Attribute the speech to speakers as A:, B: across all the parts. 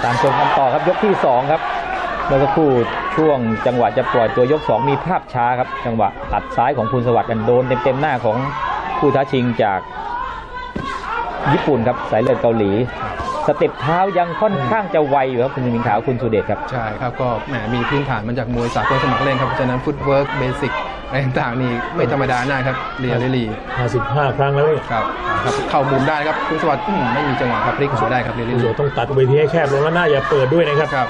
A: ตามชมกันต่อครับยกที่2ครับเมื่อสักครู่ช่วงจังหวะจะปล่อยตัวยก2มีภาพช้าครับจังหวะตัดซ้ายของภูลสวัสดิ์กันโดนเต็มหน้าของผู้ท้าชิงจากญี่ปุ่นครับสายเลือดเกาหลีสเต็ปเท้ายังค่อนข้างจะไวอยู่ครับคุณมิงขาวคุณสุเดชครับ
B: ใช่ครับก็แหมมีพื้นฐานมาจากมวยสากลสมัครเล่นครับเพราะฉะนั้นฟุตเวิร์กเบสิกอะไรต่างๆนี่ไม่ธรรมดานะครับเรียลลี่
C: 55 ครั้งแล้วนี่
B: ครับเข้ามุมได้ครับภูลสวัสดิ์ไม่มีจังหวะครับพลิกหัวได้ครับเรียลลี่
C: ต้องตัดเวทีให้แคบลงแล้วหน้าอย่าเปิดด้วยนะครับ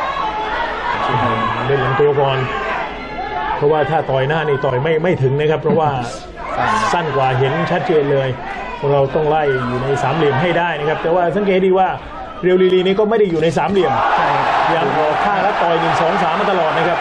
C: เล่นลำตัวก่อนเพราะว่าถ้าต่อยหน้านี่ต่อยไม่ถึงนะครับเพราะว่าสั้นกว่าเห็นชัดเจนเลยเราต้องไล่อยู่ใน3เหลี่ยมให้ได้นะครับแต่ว่าสังเกตดีว่าเรียวลีนี่ก็ไม่ได้อยู่ใน3เหลี่ยมยังออกข้างและต่อย1 2 3มาตลอดนะครับ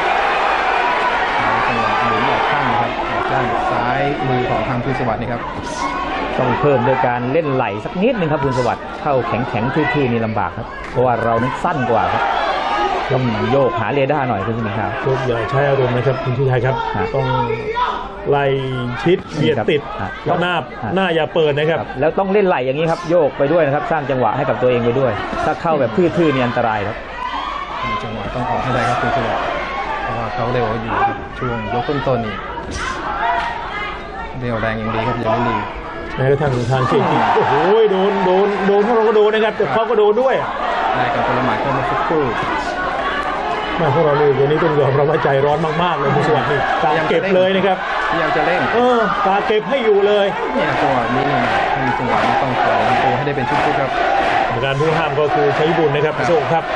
B: จังหวะหมุนออกข้างครับออกด้านซ้ายมือของทางภูลสวัสดิ์นี่ครับ
A: ต้องเพิ่มโดยการเล่นไหลสักนิดนึงครับภูลสวัสดิ์เข้าแข็งทื่อๆนี่ลำบากครับเพราะว่าเรานั้นสั้นกว่าครับต้องโยกหาเรดาร์หน่อยคุณสุนิครับ
C: โยกอย่าใช้อารมณ์นะครับคุณชูชัยครับต้องไล่ชิดเบียดติดแล้วหน้าอย่าเปิดนะครับ
A: แล้วต้องเล่นไหลอย่างนี้ครับโยกไปด้วยนะครับสร้างจังหวะให้กับตัวเองไปด้วยถ้าเข้าแบบทื่อๆนี่อันตรายครับ
B: มีจังหวะต้องออกให้ได้ครับคุณสุเดชเพราะว่าเขาเร็วอยู่ช่วงยกต้นๆนี่เร็วแรงอย่างดีครับยังไม่ดี
C: แม้กระทั่งทางเก่งโอ้โหโดนพวกเราก็โดนนะครับแต่เขาก็โดนด้วย
B: ได้กับคนละหมาดก็มาสักครู่
C: พวกเราเลยวันนี้ต้องยอมรับว่าใจร้อนมากๆเลยภูลสวัสดิ์นี่ตาเก็บเลยนะครับ
B: พยายามจะเล่น
C: ตาเก็บให้อยู่เลย
B: เนี่ยจังหวะนี้นี่มีจังหวะนี้ต้องขอตัวให้ได้เป็นชุดๆครับ
C: การผู้ห้ามก็คือใช้บุญนะครับโชคครับ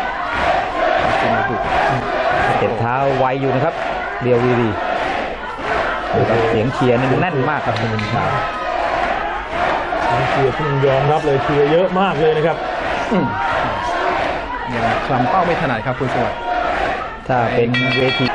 A: เจ็บเท้าไวอยู่นะครับเรียวดีเสียงเชียร์แน่นมากครับคุณมินขาว
C: เชียร์ที่ยอมรับเลยเชียร์เยอะมากเลยนะครับ
B: ยังคลำเป้าไม่ถนัดครับภูลสวัสดิ์
A: ถ้าเป็นเวที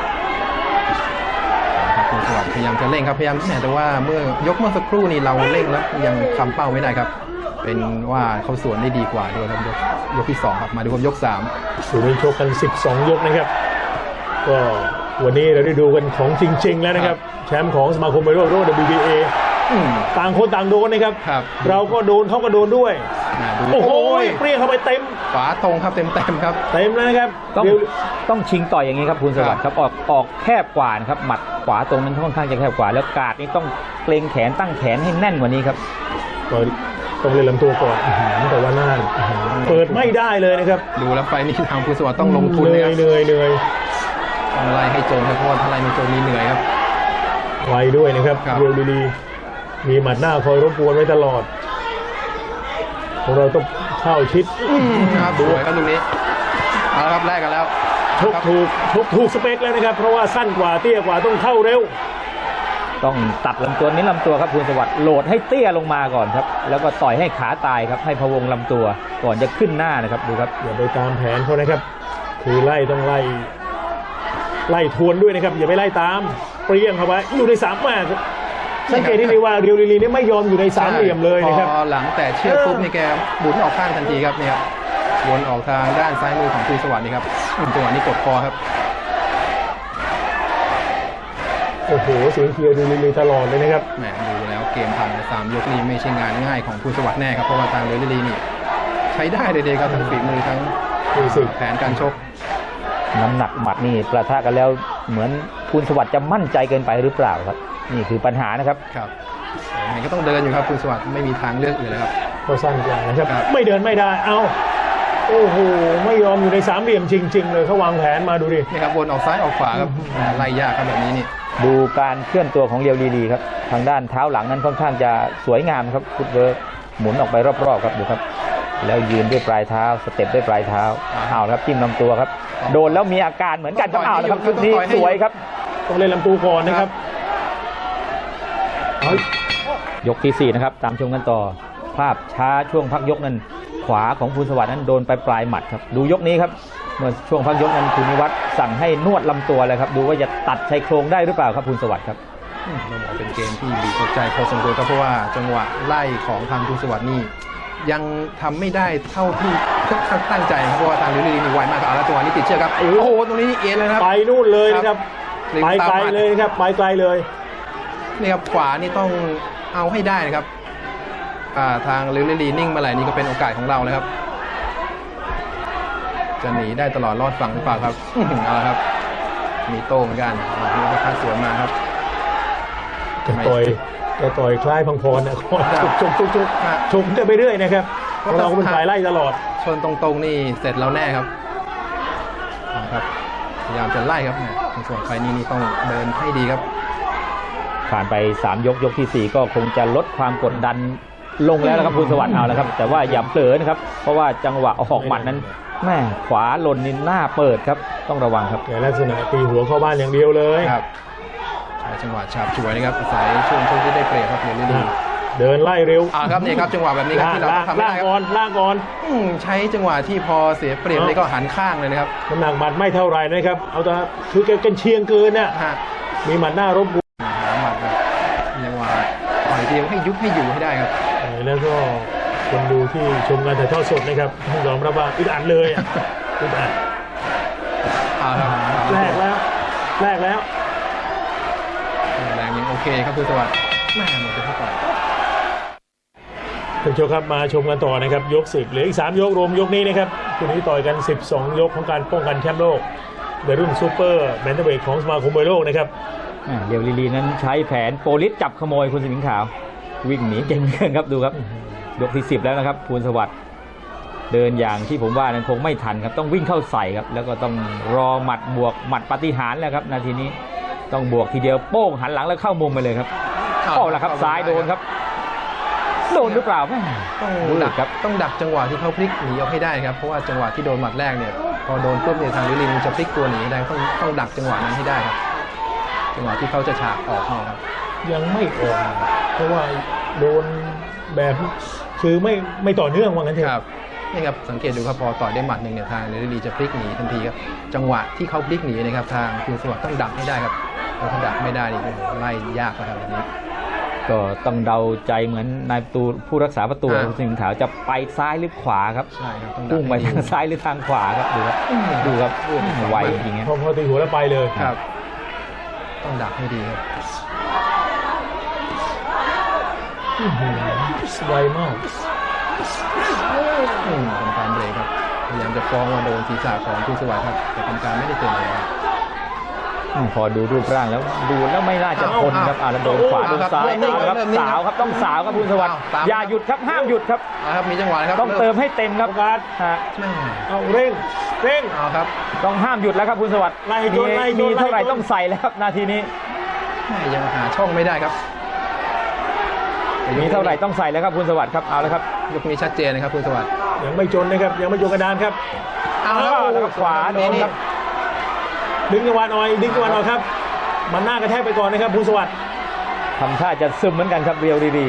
B: ภูลสวัสดิ์พยายามจะเร่งครับพยายามแต่ว่าเมื่อสักครู่นี้เราเร่งแล้วยังคลำเป้าไม่ได้ครับเป็นว่าเขาสวนได้ดีกว่าด้วยครับยกที่2ครับมาดูครับยก3
C: สู่นี้ชกกัน12ยกนะครับก็วันนี้เราได้ดูกันของจริงๆแล้วนะครับแชมป์ของสมาคมมวยโลก WBA ต่างคนต่างโดนนะครับเราก็โดนเขาก็โดนด้วยโอ้โหเปรี้ยงเข้าไปเต็ม
B: ขวาตรงครับเต็มครับ
C: เต็มแล้วนะครับ
A: ต้องชิงต่อยอย่างนี้ครับภูลสวัสดิ์ครับออกแคบกว่านะครับหมัดขวาตรงนั้นค่อนข้างจะแคบกว่าแล้วกาดนี่ต้องเกรงแขนตั้งแขนให้แน่นกว่านี้ครับ
C: ต้องเล่นลำตัวก่อนแต่ว่าหน้าเปิดไม่ได้เลยนะครับ
B: ดูแล้วไฟนี่ทางภูลสวัสดิ์ต้องลงทุนเลย
C: เหนื่อย
B: ต้องไล่ให้โจมครับเพราะว่าถ้าไล่ไม่โจมมีเหนื่อยครับ
C: ไวด้วยนะครับเรียวดีมีหมัดหน้าคอยรบกวนไว้ตลอดของเราต้องเข้าชิด
B: ครับดูครับตรงนี้เอาละครับแรกกันแล้ว
C: ชกถูกสเปคแล้วนะครับเพราะว่าสั้นกว่าเตี้ยกว่าต้องเข้าเร็ว
A: ต้องตัดลำตัวนี้ลำตัวครับภูลสวัสดิ์โหลดให้เตี้ยลงมาก่อนครับแล้วก็ต่อยให้ขาตายครับให้พะวงลำตัวก่อนจะขึ้นหน้านะครับดูครับ
C: อย่าไปตามแผนเขานะครับคือต้องไล่ทวนด้วยนะครับอย่าไปไล่ตามเปรี้ยงเข้าไปอยู่ใน3มาสังเกตที่ดีว่าเรียวลีนี่ไม่ยอมอยู่ใน3เหลี่ยมเลยนะครับ
B: พอหลังแต่เชือกปุ๊บนี่แกบุนออกข้างทันทีครับนี่ครับวนออกทางด้านซ้ายมือของภูลสวัสดิ์นี่ครับจังหวะนี้กดคอครับ
C: โอ้โหเสียงเชียร์ดูลีตลอดเลยนะครับ
B: แหมดูแล้วเกมผ่านไป3ยกนี้ไม่ใช่งานง่ายของภูลสวัสดิ์แน่ครับเพราะว่าทางเรียวลีนี่ใช้ได้เลยครับทั้งฝีมือทั้งแผนการชก
A: น้ำหนักหมัดนี่ประทะกันแล้วเหมือนภูลสวัสดิ์จะมั่นใจเกินไปหรือเปล่าครับนี่คือปัญหานะครับ
B: ยังไงก็ต้องเดินอยู่ครับภูลสวัสดิ์ไม่มีทางเลือกอื่นเลยครับ
C: ก็สั้นกว่านะครับไม่เดินไม่ได้โอ้โหไม่ยอมอยู่ใน3เหลี่ยมจริงๆเลยเขาวางแผนมาดูดิ
B: นี่ครับวนออกซ้ายออกขวาครับไล่ยากครับแบบนี้นี่
A: ดูการเคลื่อนตัวของเรียวดีครับทางด้านเท้าหลังนั้นค่อนข้างจะสวยงามครับฟุตเวิร์กหมุนออกไปรอบๆครับดูครับแล้วยืนด้วยปลายเท้าสเต็ปด้วยปลายเท้าเอาครับจิ้มลำตัวครับโดนแล้วมีอาการเหมือนกันครับเอาครับชุดนี้สวยครับ
C: ต้องเล่นลำตัวก่อนนะครับ
A: ยกที่4นะครับตามชมกันต่อภาพช้าช่วงพักยกนั้นขวาของภูลสวัสดิ์นั้นโดนไปปลายหมัดครับดูยกนี้ครับเมื่อช่วงพักยกนั้นคุณนิวัฒน์สั่งให้นวดลำตัวเลยครับดูว่าจะตัดชายโครงได้หรือเปล่าครับภูลสวัสดิ์ครับ
B: ต้องบอกเป็นเกมที่บีบหัวใจพอสมควรครับเพราะว่าจังหวะไล่ของทางภูลสวัสดิ์นี่ยังทำไม่ได้เท่าที่ตั้งใจเพราะว่าทางลิลลี่นี่ไวมากครับแล้วจังหวะนี้ติดเชือกครับโอ้โหตรงนี้เอ็นเลยครับ
C: ไปนู่นเลยนะครับไปไกลเลยครับไปไกลเลย
B: นี่ครับขวานี่ต้องเอาให้ได้นะครับทางลิลลี่นิ่งมาไหลนี่ก็เป็นโอกาสของเราเลยครับจะหนีได้ตลอดรอดฝั่งหรือเปล่าครับ เอาละครับมีโต้เหมือนกันมีประคัดสวนมาครับ
C: แกต่อยคล้ายพังพรนะชกกันไปเรื่อยนะครับเราเป็นฝ่ายไล่ตลอด
B: ชนตรงๆนี่เสร็จแล้วแน่ครับครับพยายามจะไล่ครับในส่วนไฟนี่ต้องเดินให้ดีครับ
A: ผ่านไป3 ยกที่ 4 ก็คงจะลดความกดดันลงแล้วนะครับภูลสวัสดิ์เอาแล้วครับแต่ว่าอย่าเผลอนะครับเพราะว่าจังหวะออกหมัดนั้นแม่ขวาหล่นนี่หน้าเปิดครับต้องระวังครับ
C: แต่ลักษณะตีหัวเข้าบ้านอย่างเดียวเลย
B: ครับใช้จังหวะฉาบฉวยนะครับอาศัยช่วงที่ได้เปรียบครับเรียนดี
C: เดินไล่เร็ว
B: ครับนี่ครับจังหวะแบบนี้ครับที่เราต้องทำได้ครับ
C: ล่างก่อน
B: ใช้จังหวะที่พอเสียเปรียบนี่ก็หันข้างเลยนะครับ
C: น้ำหนักหมัดไม่เท่าไหร่นะครับเอาแต่คือแกเชียงเกินน่ะ
B: ฮะ
C: มีหมัดหน้ารบกวน
B: หาหมัดแบบจังหวะต่อยเดียวให้ยุบให้อยู่ให้ได้ครับ
C: แล้วก็คนดูที่ชมการถ่ายทอดสดนะครับยอมรับว่าอึดอัดเลยอึดอัด
B: ครับ
C: แรกแล้ว
B: แรงยังโอเคครับคุณสวัสดิ์แม่หมดไปเท่าไหร่
C: ท่านผู้ชมครับมาชมกันต่อนะครับยก 10เหลืออีก3 ยกรวมยกนี้นะครับคู่นี้ต่อยกัน12 ยกของการป้องกันแชมป์โลกในรุ่นซูเปอร์แบนเทอร์เวทของสมาคมมวยโลกนะครับ
A: เดี๋ยวลีนั้นใช้แผนโปลิสจับขโมยคุณสิงห์ขาววิ่งหนีเก่งเหลือเกินครับดูครับยกที่ 10แล้วนะครับภูลสวัสดิ์เดินอย่างที่ผมว่านั้นคงไม่ทันครับต้องวิ่งเข้าใส่ครับแล้วก็ต้องรอหมัดบวกหมัดปาฏิหาริย์แล้วครับนาทีนี้ต้องบวกทีเดียวโป้งหันหลังแล้วเข้ามุมไปเลยครับเอาละครับซ้ายโดนครับโดนหรือเปล่าแม่
B: ต้องดักครับต้องดักจังหวะที่เขาพลิกหนีเอาให้ได้ครับเพราะว่าจังหวะที่โดนหมัดแรกเนี่ยพอโดนปุ๊บเนี่ยทางลิลินจะพลิกตัวหนีได้ต้องดักจังหวะนั้นให้ได้ครับจังหวะที่เขาจะฉากออกเนี่ยครับ
C: ยังไม่ออกเพราะว่าโดนแบบคือไม่ต่อเนื่องว่างั้นเถ
B: ครั
C: อะ
B: บนี่ครับสังเกตดูครับพอต่อยได้หมัดหนึ่งเนี่ยทางลิลินจะพลิกหนีทันทีครับจังหวะที่เขาพลิกหนีนะครับทางภูลสวัสดิ์ต้องดักให้ได้ครับถ้าดักไม่ได้นี่ไล่ยากนะครับแบบนี้
A: ก็ต้องเดาใจเหมือนนายประตูผู้รักษาประตูคุณสิงห์ขาวจะไปซ้ายหรือขวาครับ
B: ใช่ครับต้องดัก
A: พุ่งไปทางซ้ายหรือทางขวาครับดูครับไวจริงๆ
C: พอตีหัวแล้วไปเลย
B: ครับต้องดักให้ดีครับ
C: ไวมาก
B: กรรมการเบรกครับพยายามจะฟ้องว่าโดนศีรษะของภูลสวัสดิ์ครับแต่กรรมการไม่ได้เตือนเลยครับ
A: พอดูรูปร่างแล้วดูแล้วไม่น่าจะทนครับแล้วโดนขวาโดนซ้ายครับสาวครับต้องสาวครับภูลสวัสดิ์อย่าหยุดครับห้ามหยุดครับ
B: ครับมีจังหวะนะครับ
A: ต้องเติมให้เต็มครับการ
C: เอาเร่ง
B: เอาครับ
A: ต้องห้ามหยุดแล้วครับภูลสวัสดิ์มีเท่าไหร่ต้องใส่แล้วครับนาทีนี้
B: ยังหาช่องไม่ได้ครับ
A: มีเท่าไหร่ต้องใส่แล้วครับภูลสวัสดิ์ครับเอาแล้วครับ
B: ยกนี้ชัดเจนนะครับภูลสวัสดิ์
C: ยังไม่จนนะครับยังไม่จนกระดานครับ
A: เอาแล้วขวาโดนครับ
C: ดึงจังหวะหน่อยครับมันหน้ากระแทกไปก่อนนะครับภูลสวัสดิ์
A: ทำท่าจะซึมเหมือนกันครับเรียวดี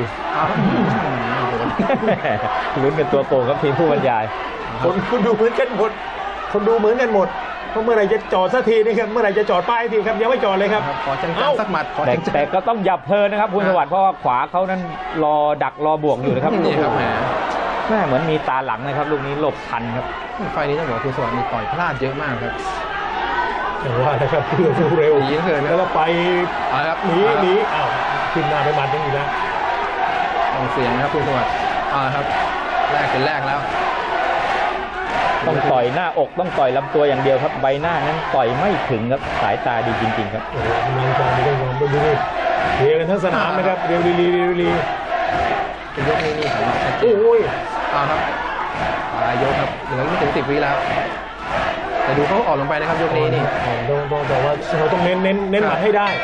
A: ลุ้นกันตัวโกงครับทีมผู้บรรยาย
C: คนดูเหมือนกันหมดเพราะเมื่อไหร่จะจอดสักทีนี่ครับเมื่อไหร่จะจอดป้ายทีครับยังไม่จอดเลยครับ
B: ขอจังสักหมัด
A: แต่ก็ต้องหยับเพลินนะครับภูลสวัสดิ์เพราะว่าขวาเขานั้นรอดักรอบวกอยู่นะครับ
B: นี่ครับ
A: แม่เหมือนมีตาหลังนะครับลูกนี้หลบทันครับ
B: ไฟนี้ต้องบอกภูลสวัสดิ์มีต่อยพลาดเยอะมากครับ
C: อย่างว่านะครับเพื่อสู้เร็วแล้วไปหนีอ้าวขึ้นหน้าไปหมัดยังอีกแล้ว
B: ต้องเสียงนะครับภูลสวัสดิ์ครับแรกเป็นแรกแล้ว
A: ต้องต่อยหน้าอกต้องต่อยลำตัวอย่างเดียวครับใบหน้านั้นต่อยไม่ถึงครับสายตาดีจริงๆครับ
C: โอ้โหกำลังใจดีต้องยอมดูนี่เฮียกันทั้งสนามนะครับเรียวลี
B: เป็นยกนี้ครับ
C: โอ้ย
B: ครับปลายยกครับเหลือไม่ถึง10 วิแล้วแต่ดูเขาออกลงไปนะครับยกนี้นี่
C: ต้องบอกว่าเราต้องเน้นหมัดให้ได้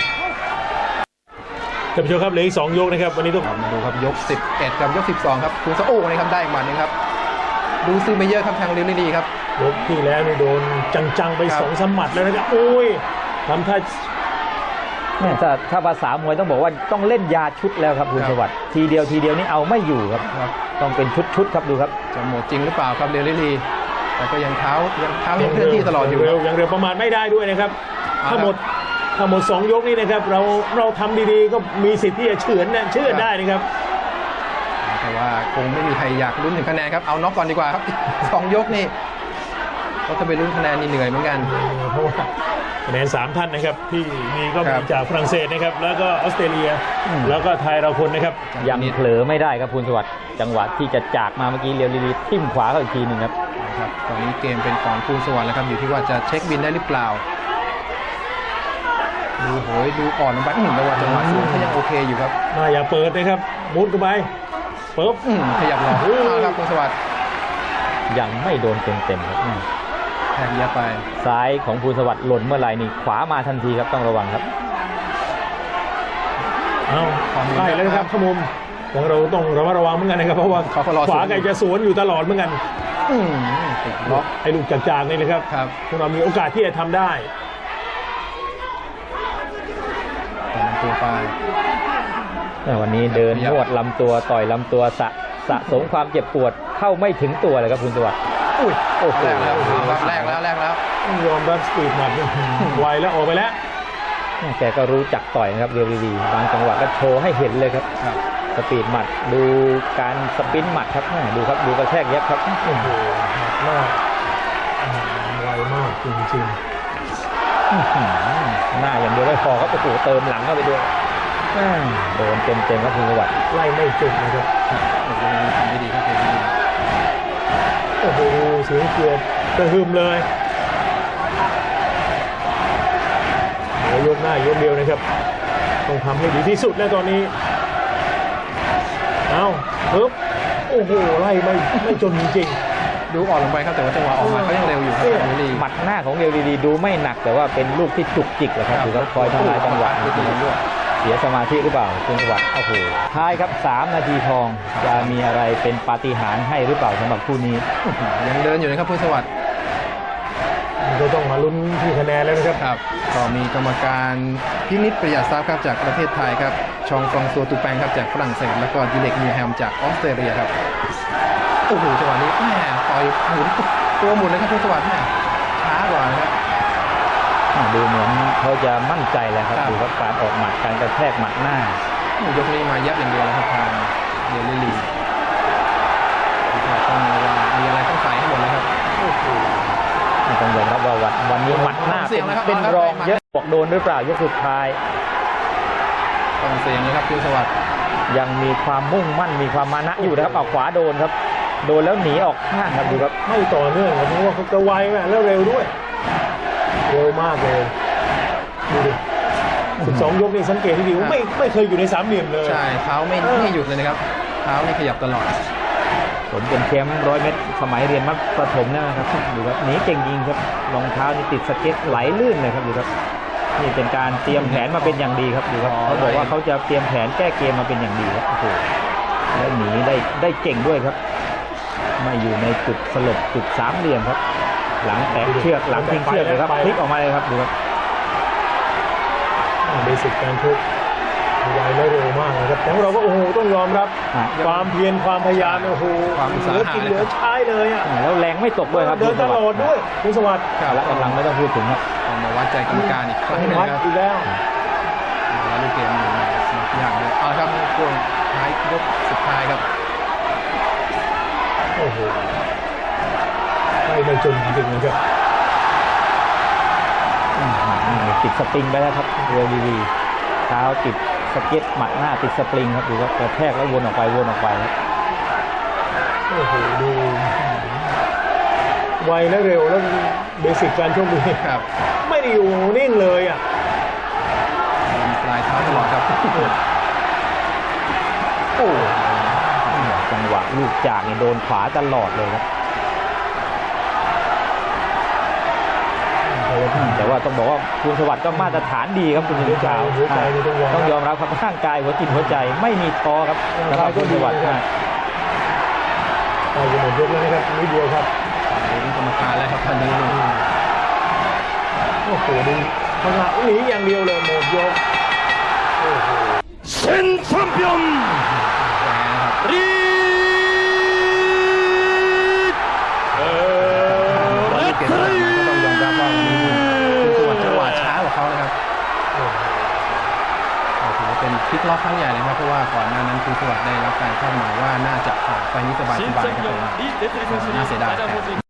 C: ท่านผู้ชมครับเหลืออีก2 ยกนะครับวันนี้ต้อง
B: มาดูครับยก11กับยก12ครับคุณสะโอ้นะครับได้หมัดนึงครับดูซื้อไม่เยอะครับทางลิลลี่ครับ
C: ยกที่แล้วนี่โดนจังๆไป2-3 หมัดแล้วนะครับโอ้ยทำท่า
A: ถ้าภาษามวยต้องบอกว่าต้องเล่นยาชุดแล้วครับภูลสวัสดิ์ทีเดียวนี่เอาไม่อยู่ครับต้องเป็นชุดครับดูครับ
B: จะหมดจริงหรือเปล่าครับลิลลี่แต่ก็ยังเท้ายังเคลื่อนที่ตลอดอยู่
C: ยังเร็วประมาณไม่ได้ด้วยนะครับถ้าหมด2 ยกนี่นะครับเราทำดีๆก็มีสิทธิ์ที่จะเฉือนได้นะครับ
B: แต่ว่าคงไม่มีใครอยากลุ้นถึงคะแนนครับเอาน็อกก่อนดีกว่าครับ2 ยกนี่เพราะถ้าไปลุ้นคะแนนนี่เหนื่อยเหมือนกัน
C: เพราะว่าคะแนน3ท่านนะครับที่มีก็
B: ค
C: มี
B: รับ
C: จากฝรั่งเศสนะครับแล้วก็ออสเตรเลียแล้วก็ไทยเราคนนะครับ
A: ยังเผลอไม่ได้ครับภูลสวัสดิ์จังหวะที่จะจากมาเมื่อกี้เรียวลีทิ่มขวาเข้าอีกทีหนึ่งครับ
B: ครับตอนนี้เกมเป็นของภูลสวัสดิ์แล้วครับอยู่ที่ว่าจะเช็คบินได้หรือเปล่าดูโหยดูอ่อนลงไปแต่ว่าจังหวะสูงเขายังโอเคอยู่ครับ
C: น่าอย่าเปิดนะครับมุดเข้าไปปุ๊บ
B: ขยับหลอกครับภูลสวัสดิ์
A: ยังไม่โดนเต็มๆครับ
B: แทงเยอะไป
A: ซ้ายของภูลสวัสดิ์หล่นเมื่อไหร่นี่ขวามาทันทีครับต้องระวังครับ
C: เอาใกล้แล้วนะครับขมุมแต่เราต้องระมัดระวังเหมือนกันนะครับเพราะว่า
B: เขาก็รอ
C: ขวาไก่จะสวนอยู่ตลอดเหมือนกัน
B: ติดล็อก
C: ไอ้ลูกจากๆนี่นะครับ
B: ครับ
C: พวกเรามีโอกาสที่จะทำได้
B: ตอนนั้นตัวไป
A: วันนี้เดินนวดลำตัวต่อยลำตัวสะสมความเจ็บปวดเข้าไม่ถึงตัวเลยครับภูลสวัสดิ์
B: อุ้ย
A: โอ้โห
B: แรกแล้วครับแรกแล้ว
C: ต้องยอมรับสปีดหมัดนี่ไวแล้วออกไปแล้ว
A: แกก็รู้จักต่อยนะครับเรียวลีบางจังหวะก็โชว์ให้เห็นเลยครับ
B: ครับ
A: สปีดหมัดดูการสปินหมัดครับดูครับดูกระแทกยับครับ
C: โอ้โหหนักมากไวมากจริง
A: หน้าอย่างเดียวไม่พอครับโอ้โหเติมหลังเข้าไปด้วยโดนเต็มครับภูลสวัสดิ์
C: ๆไล่ไม่จุดนะครับ
B: โอ้โหทำได้ดีครับเพลงนี้
C: โอ้โหเสียงเกียร์กระหึ่มเลยเดี๋ยวยกหน้ายกเดียวนะครับต้องทำให้ดีที่สุดแล้วตอนนี้เอาปึ๊บโอ้โหไล่ไม่จนจริง
B: ดูอ่อนลงไปครับแต่ว่าจังหวะออกมาเขายังเร็วอยู่ครับทางลี
A: หมัดหน้าของเรียวลีดูไม่หนักแต่ว่าเป็นลูกที่จุกจิกแหละครับดูครับคอยทำลายจังหวะเสียสมาธิหรือเปล่าภูลสวัสดิ์โอ้โหท้ายครับ3 นาทีทองจะมีอะไรเป็นปาฏิหาริย์ให้หรือเปล่าสำหรับคู่นี้
B: ยังเดินอยู่นะครับภูลสวัสดิ์
C: ๆมันก็ต้องมาลุ้นที่คะแนนแล้วนะครับ
B: ครับก็มีกรรมการพินิจประหยัดทรัพย์ครับจากประเทศไทยครับชองฟองซัวตูแปงครับจากฝรั่งเศสแล้วก็ดิเล็กนิวแฮมจากออสเตรเลียครับโอ้โหจังหวะนี้แม่ต่อยหมุนตัวหมุนเลยครับภูลสวัสดิ์แม่ช้ากว่านะครับ
A: ดูเหมือนเขาจะมั่นใจแล้วครับ
B: ครับ
A: ดูครับการออกหมัดการกระแทกหมัดหน้า
B: ยกนี้มายับอย่างเดียวแล้วครับทางเดลิลีต้องระวังมีอะไรต้องใส่ให้หมดเลยครับ
A: ต้องยอมรับว่าวันนี้หมัดหน้า
B: เสี่ยงแล้วครับ
A: เป็น
B: เอาละ
A: รอง
B: ครับ
A: เยอะบอกโดนหรือเปล่ายกสุดท้าย
B: ต้องเสียงเลยครับภูลสวัสดิ์
A: ยังมีความมุ่งมั่นมีความมานะอยู่นะครับเอาขวาโดนครับ โดนแล้วหนีออกข้างครับดูครับ
C: ไม่ต่อเนื่องครับเพราะว่าเขาจะไวมากแล้วเร็วด้วยเร็วมากเลยดูดิ12 ยกนี่สังเกตที่ดีว่าไม่เคยอยู่ในสามเหลี่ยมเลย
B: ใช่เท้าไม่หยุดเลยนะครับเท้านี่ขยับตลอด
A: ผมเป็นแชมป์100 เมตรสมัยเรียนมัธยมประถมนะครับดูครับหนีเก่งจริงครับรองเท้านี่ติดสเก็ตไหลลื่นเลยครับดูครับนี่เป็นการเตรียมแผนมาเป็นอย่างดีครับดูครับเขาบอกว่าเขาจะเตรียมแผนแก้เกมมาเป็นอย่างดีครับโอ้โหแล้วหนีได้เก่งด้วยครับไม่อยู่ในจุดสลบจุด3 เหลี่ยมครับ หลังแตะเชือกหลังทิ้งเชือกเลยครับพลิกออกมาเลยครับดูครับ
C: เบสิกการชกไวและเร็วมากนะครับแต่เราก็โอ้โหต้องยอมรับความเพียรความพยายามโอ้โห
B: ความอุต
C: เห
B: สา
C: ลือ
B: หะ
C: กินเหลือใช้เลยอ่ะ
A: แล้วแรงไม่ตกด้วยครับ
C: เดินตลอดด้วยคุณสวัสดิ์
A: และกำลังไม่ต้องพูดถึงครับ
B: เอามาวัดใจกรรมการอีกครั้งหนึง
C: วัด
B: ครับ
C: อีกแล้ว
B: แล้วลูกเกมอยู่อย่างเลยเอาละครับช่วงท้ายยกสุดท้ายครับ
C: โอ้โหไม่จนจริงๆนะครับ
A: ติดสปริงไปแล้วครับเรียวดีเท้าติดสเก็ตหมัดหน้าติดสปริงครับดูครับกระแทกแล้ววนออกไปครับ
C: โอ้โหดูไวและเร็วแล้วเบสิกการชกดี
B: ครับ
C: ไม่ได้อยู่นิ่งเลยอ่ะ
B: ปลายเท้าตลอดครับ
A: โอ้จังหวะลูกจากนี่โดนขวาตลอดเลยครับแต่ว่าต้องบอกว่าภูลสวัสดิ์ก็มาตรฐานดีครับคุณยิงชาว
C: หัวใจนี่ต้องยอมรับ
A: ต้องยอมรับครับร่างกายหัวจิตหัวใจไม่มีท้อครับสำหรับภูลสวัสดิ์
C: ไปจะหมดยกแล้วนะครับนิดเดียวครับ
B: ดูกรรมการแล้วครับท่านนี้
C: โอ้โหดูพลังหนีอย่างเดียวเลยหมดยกโอ้โห
D: 신 챔피언 리
B: ลูกเกมที่ผ่านมาก็ต้องยอมรับว่ามีภูลสวัสดิ์จังหวะช้ากว่าเขานะครับถือว่าเป็นพลิกล็อกครั้งใหญ่เลยครับเพราะว่าก่อนหน้านั้นภูลสวัสดิ์ได้รับการคาดหมายว่าน่าจะผ่านไฟนี้สบายๆครับผม
D: 신창경 리 레슬링 선수님
B: 나세다.
D: 맞아보지